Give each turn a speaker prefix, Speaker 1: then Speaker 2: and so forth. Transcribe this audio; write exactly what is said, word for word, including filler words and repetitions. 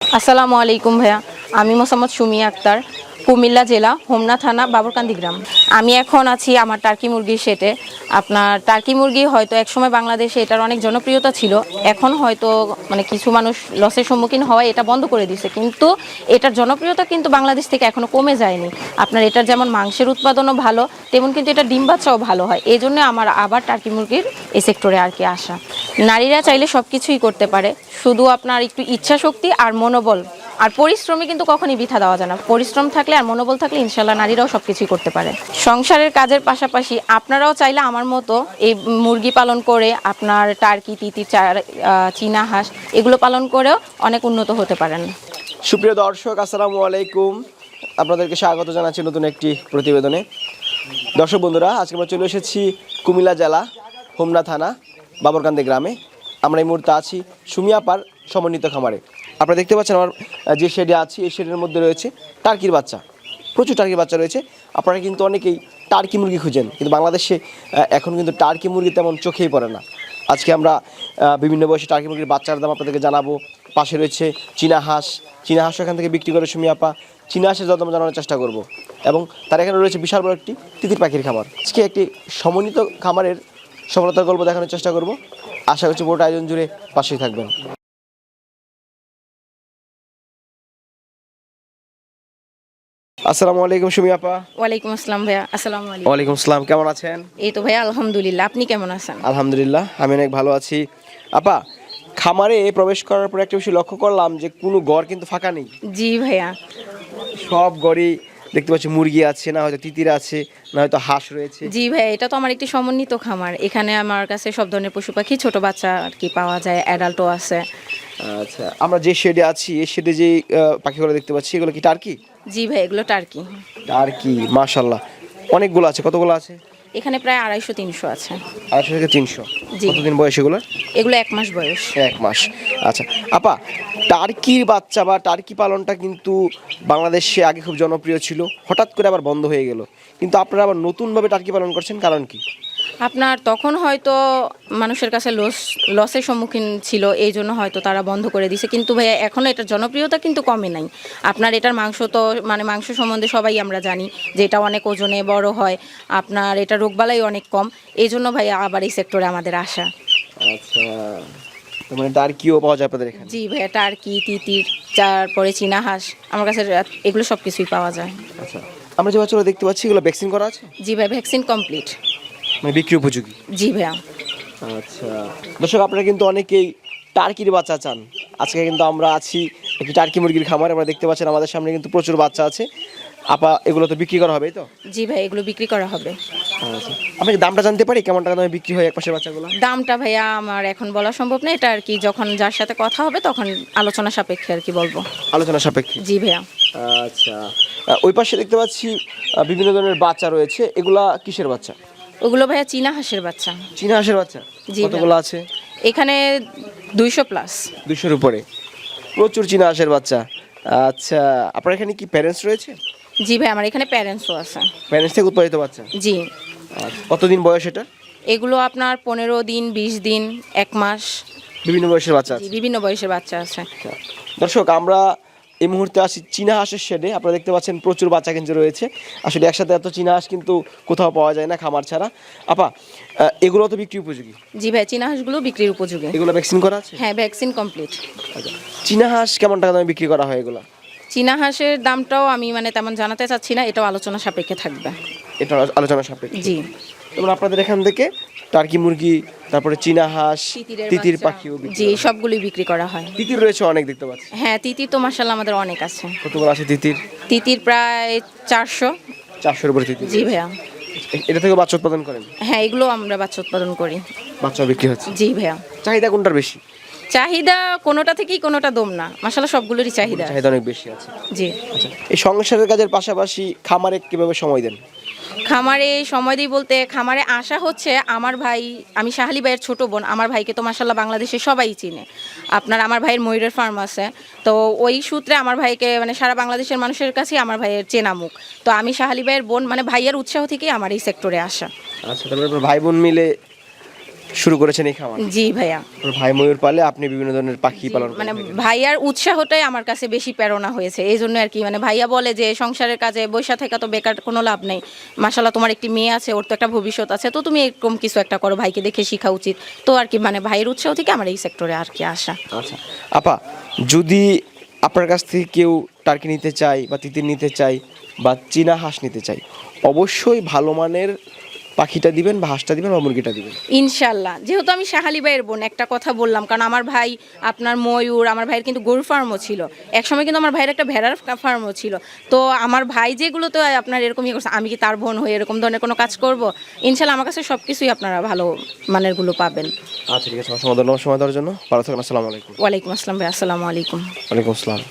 Speaker 1: আসসালামু আলাইকুম ভাইয়া, আমি মোসাম্মদ সুমি আক্তার, কুমিল্লা জেলা হোমনা থানা বাবরকান্দি গ্রাম। আমি এখন আছি আমার টার্কি মুরগির শেডে। আপনার টার্কি মুরগি হয়তো একসময় বাংলাদেশে এটার অনেক জনপ্রিয়তা ছিল, এখন হয়তো মানে কিছু মানুষ লসের সম্মুখীন হওয়ায় এটা বন্ধ করে দিছে, কিন্তু এটার জনপ্রিয়তা কিন্তু বাংলাদেশ থেকে এখনও কমে যায়নি। আপনার এটার যেমন মাংসের উৎপাদনও ভালো, তেমন কিন্তু এটা ডিম বাচ্চাও ভালো হয়। এই জন্য আমার আবার টার্কি মুরগির এই সেক্টরে আর কি আসা। নারীরা চাইলে সব কিছুই করতে পারে, শুধু আপনার একটু ইচ্ছা শক্তি আর মনোবল আর পরিশ্রমী কিন্তু কখনই বৃথা দেওয়া যায় না। পরিশ্রম থাকলে আর মনোবল থাকলে ইনশাল্লাহ নারীরাও সব কিছুই করতে পারে। সংসারের কাজের পাশাপাশি আপনারাও চাইলে আমার মতো এই মুরগি পালন করে আপনার টার্কি, তিতির, চীনা হাঁস এগুলো পালন করেও অনেক উন্নত হতে পারেন।
Speaker 2: সুপ্রিয় দর্শক, আসসালামু আলাইকুম। আপনাদেরকে স্বাগত জানাচ্ছি নতুন একটি প্রতিবেদনে। দর্শক বন্ধুরা, আজকে আমরা চলে এসেছি কুমিল্লা জেলা হোমনা থানা বাবরকান্দি গ্রামে। আমরা এই মুহূর্তে আছি সুমিয়াপার সমন্বিত খামারে। আপনারা দেখতে পাচ্ছেন আমার যে শেডে আছি, এই শেডের মধ্যে রয়েছে টার্কির বাচ্চা, প্রচুর টার্কির বাচ্চা রয়েছে। আপনারা কিন্তু অনেকেই টার্কি মুরগি খুঁজেন, কিন্তু বাংলাদেশে এখন কিন্তু টার্কি মুরগি তেমন চোখেই পড়ে না। আজকে আমরা বিভিন্ন বয়সে টার্কি মুরগির বাচ্চার দাম আপনাদেরকে জানাবো। পাশে রয়েছে চীনা হাঁস, চীনা হাঁস এখান থেকে বিক্রি করে সুমিয়াপা। চীনা হাঁসের দাম জানানোর চেষ্টা করব, এবং তার এখানে রয়েছে বিশাল বড় একটি তিতির পাখির খামার। আজকে একটি সমন্বিত খামারের সফলতার গল্প দেখানোর চেষ্টা করব। আশা করছি পুরোটা আয়োজন জুড়ে পাশেই থাকবেন। আসসালামু আলাইকুম সুমি আপা।
Speaker 1: ওয়ালাইকুম আসসালাম ভাইয়া। আসসালামু আলাইকুম।
Speaker 2: ওয়ালাইকুম আসসালাম, কেমন আছেন?
Speaker 1: এই তো ভাইয়া আলহামদুলিল্লাহ, আপনি কেমন আছেন?
Speaker 2: আলহামদুলিল্লাহ, আমি অনেক ভালো আছি। আপা, খামারে প্রবেশ করার পর একটা বিষয় লক্ষ্য করলাম যে কোনো ঘর কিন্তু ফাঁকা নেই।
Speaker 1: জি ভাইয়া।
Speaker 2: সব ঘরই দেখতে পাচ্ছি মুরগি আছে, না হয়তো তিতির আছে, না হয়তো হাঁস রয়েছে।
Speaker 1: জি ভাইয়া, এটা তো আমার একটি সমন্বিত খামার। এখানে আমার কাছে সব ধরনের পশু পাখি, ছোট বাচ্চা আর কি পাওয়া যায়, অ্যাডাল্টও আছে।
Speaker 2: আচ্ছা, আমরা যে শেডে আছি, এই শেডে যে পাখিগুলো দেখতে পাচ্ছি, এগুলো কি টার্কি?
Speaker 1: জি ভাই, এগুলো টার্কি।
Speaker 2: টার্কি, মাশাআল্লাহ, অনেকগুলো আছে। কতগুলো আছে?
Speaker 1: এখানে প্রায় আড়াইশো তিনশো আছে।
Speaker 2: আড়াইশো থেকে তিনশো।
Speaker 1: জি।
Speaker 2: কতদিন বয়স এগুলো?
Speaker 1: এগুলো এক মাস বয়স।
Speaker 2: এক মাস। আচ্ছা আপা, টার্কির বাচ্চা বা টার্কি পালনটা কিন্তু বাংলাদেশে আগে খুব জনপ্রিয় ছিল, হঠাৎ করে আবার বন্ধ হয়ে গেল, কিন্তু আপনারা আবার নতুনভাবে টার্কি পালন করছেন, কারণ কি?
Speaker 1: আপনার তখন হয়তো মানুষের কাছে লস লসের সম্মুখীন ছিল, এই জন্য হয়তো তারা বন্ধ করে দিছে, কিন্তু ভাইয়া এখনও এটার জনপ্রিয়তা কিন্তু কমে নাই। আপনার এটার মাংস তো মানে মাংস সম্বন্ধে সবাই আমরা জানি যে এটা অনেক ওজনে বড় হয়, আপনার এটা রোগবালাই অনেক কম, এই জন্য ভাইয়া আবার এই সেক্টরে আমাদের আসা।
Speaker 2: আচ্ছা, মানে টার্কিও পাওয়া যায় আপনাদের এখানে?
Speaker 1: জি ভাইয়া, টার্কি, তিতির, তারপরে চীনা হাঁস, আমার কাছে এগুলো সব কিছুই পাওয়া যায়।
Speaker 2: আচ্ছা, আমরা যে বাচ্চাগুলো দেখতে পাচ্ছি, এগুলো ভ্যাকসিন করা আছে?
Speaker 1: জি ভাই, ভ্যাকসিন কমপ্লিট।
Speaker 2: মানে বিক্রি উপযোগী?
Speaker 1: জি ভাইয়া।
Speaker 2: আচ্ছা দর্শক, আপনারা কিন্তু অনেকেই টার্কির বাচ্চা চান। আজকে কিন্তু আমরা আছি একটি টার্কি মুরগির খামারে। আমরা দেখতে পাচ্ছেন আমাদের সামনে কিন্তু প্রচুর বাচ্চা আছে। আপা, এগুলো তো বিক্রি করা হবে তো?
Speaker 1: জি ভাই, এগুলো বিক্রি করা হবে।
Speaker 2: আচ্ছা, আপনি দামটা জানতে পারি কেমন টাকা দামে বিক্রি হয় এক পাশের বাচ্চাগুলো?
Speaker 1: দামটা ভাইয়া আমার এখন বলা সম্ভব না, এটা আর কি যখন যার সাথে কথা হবে তখন আলোচনা সাপেক্ষে আর কি বলবো।
Speaker 2: আলোচনা সাপেক্ষে?
Speaker 1: জি ভাইয়া।
Speaker 2: আচ্ছা, ওই পাশে দেখতে পাচ্ছি বিভিন্ন ধরনের বাচ্চা রয়েছে, এগুলা কিসের বাচ্চা?
Speaker 1: ওগুলো ভাইয়া চীনা হাঁসের বাচ্চা।
Speaker 2: চীনা হাঁসের বাচ্চা?
Speaker 1: জি।
Speaker 2: কতগুলো আছে
Speaker 1: এখানে? দুইশো প্লাস।
Speaker 2: দুইশোর উপরে, প্রচুর চীনা হাঁসের বাচ্চা। আচ্ছা, আপনার এখানে কি প্যারেন্টস রয়েছে?
Speaker 1: জি ভাই, আমার এখানে প্যারেন্টসও আছে।
Speaker 2: প্যারেন্টস থেকে উৎপাদিত বাচ্চা?
Speaker 1: জি।
Speaker 2: কতদিন বয়স এটা?
Speaker 1: এগুলো আপনার পনেরো দিন, বিশ দিন, এক মাস,
Speaker 2: বিভিন্ন বয়সের বাচ্চা আছে?
Speaker 1: বিভিন্ন বয়সের বাচ্চা আছে।
Speaker 2: দর্শক, আমরা এই মুহূর্তে আসি চীনা হাঁসের শেডে। আপনারা দেখতে পাচ্ছেন প্রচুর বাচ্চা কিন্তু রয়েছে। আসলে একসাথে এত চীনা হাঁস কিন্তু কোথাও পাওয়া যায় না খামার ছাড়া। আপা, এগুলো তো বিক্রি উপযোগী?
Speaker 1: জি ভাই, চীনা হাঁসগুলো বিক্রির উপযোগী।
Speaker 2: এগুলো ভ্যাকসিন করা আছে?
Speaker 1: হ্যাঁ, ভ্যাকসিন কমপ্লিট।
Speaker 2: আচ্ছা, চীনা হাঁস কেমন টাকা দামে বিক্রি করা হয় এগুলো?
Speaker 1: চীনা হাঁসের দামটাও আমি মানে তেমন জানাতে চাচ্ছি না, এটাও আলোচনা সাপেক্ষে থাকবে।
Speaker 2: এটা আলোচনা সাপেক্ষে?
Speaker 1: জি।
Speaker 2: যেমন আপনাদের এখান থেকে টার্কি মুরগি, তারপরে চীনা হাঁস, তিতির পাখিও?
Speaker 1: জি, সবগুলোই বিক্রি করা হয়।
Speaker 2: তিতির রয়েছে অনেক দেখতে পাচ্ছি।
Speaker 1: হ্যাঁ, তিতির তো মাশাআল্লাহ আমাদের অনেক আছে।
Speaker 2: কতগুলো আছে তিতির?
Speaker 1: তিতির প্রায় চারশো।
Speaker 2: চারশোর উপরে তিতির?
Speaker 1: জি ভাইয়া।
Speaker 2: এটা থেকে বাচ্চা উৎপাদন করেন?
Speaker 1: হ্যাঁ, এগুলো আমরা বাচ্চা উৎপাদন করি।
Speaker 2: বাচ্চা বিক্রি হচ্ছে?
Speaker 1: জি ভাইয়া।
Speaker 2: চাহিদা কোনটার বেশি?
Speaker 1: চাহিদা কোনোটা থেকেই কোনোটা দম না, মাশাআল্লাহ সবগুলোরই চাহিদা।
Speaker 2: চাহিদা অনেক বেশি আছে।
Speaker 1: জি।
Speaker 2: আচ্ছা, এই সংসারের কাজের পাশাপাশি খামারে কিভাবে সময় দেন?
Speaker 1: খামারে সময় দিই বলতে, খামারে আসা হচ্ছে আমার ভাই, আমি শাহালি ভাইয়ের ছোট বোন, আমার ভাইকে তো মাশাআল্লাহ বাংলাদেশে সবাই চিনে। আপনার আমার ভাইয়ের ময়ূরের ফার্ম আছে, তো ওই সূত্রে আমার ভাইকে মানে সারা বাংলাদেশের মানুষের কাছেই আমার ভাইয়ের চেনা মুখ। তো আমি শাহালি ভাইয়ের বোন, মানে ভাইয়ের উৎসাহ থেকেই আমার এই সেক্টরে আসা।
Speaker 2: আচ্ছা, তারপরে ভাই বোন মিলে শুরু করেছেন এই খামার?
Speaker 1: জি ভাইয়া।
Speaker 2: আপনার ভাই ময়ূর পালে, আপনি বিভিন্ন ধরনের পাখি পালন করেন।
Speaker 1: মানে ভাইয়ার উৎসাহটাই আমার কাছে বেশি প্রেরণা হয়েছে, এই জন্য আর কি। মানে ভাইয়া বলে যে সংসারের কাজে বৈশা থেকে তো বেকার কোনো লাভ নেই, মাশাল্লাহ তোমার একটি মেয়ে আছে, ওর তো একটা ভবিষ্যৎ আছে, তো তুমি এরকম কিছু একটা করো, ভাইকে দেখে শেখা উচিত। তো আর কি মানে ভাইয়ের উৎসাহ থেকে আমার এই সেক্টরে আর কি আসা।
Speaker 2: আচ্ছা আপা, যদি আপনার কাছ থেকে কেউ টার্কি নিতে চায় বা তিতির নিতে চায় বা চীনা হাঁস নিতে চায়, অবশ্যই ভালো মানের পাখিটা দিবেন বা হাঁসটা দিবেন বা মুরগিটা দিবেন।
Speaker 1: ইনশাল্লাহ, যেহেতু আমি শাহালি ভাইয়ের বোন, একটা কথা বললাম, কারণ আমার ভাই আপনার ময়ূর, আমার ভাইয়ের কিন্তু গরু ফার্মও ছিল একসময়, কিন্তু আমার ভাইয়ের একটা ভেড়ার ফার্মও ছিল। তো আমার ভাই যেগুলো তো আপনার এরকম ইয়ে করছে, আমি কি তার বোন হয়ে এরকম ধরনের কোনো কাজ করব? ইনশাল্লাহ আমার কাছে সব কিছুই আপনারা ভালো মানেরগুলো পাবেন।
Speaker 2: আচ্ছা ঠিক আছে, অসংখ্য ধন্যবাদ সময় দেওয়ার জন্য। ভালো থাকুন, আসসালামু আলাইকুম।
Speaker 1: ওয়ালাইকুম আসসালাম ভাই, আসসালামু আলাইকুম।
Speaker 2: ওয়ালাইকুম আসসালাম।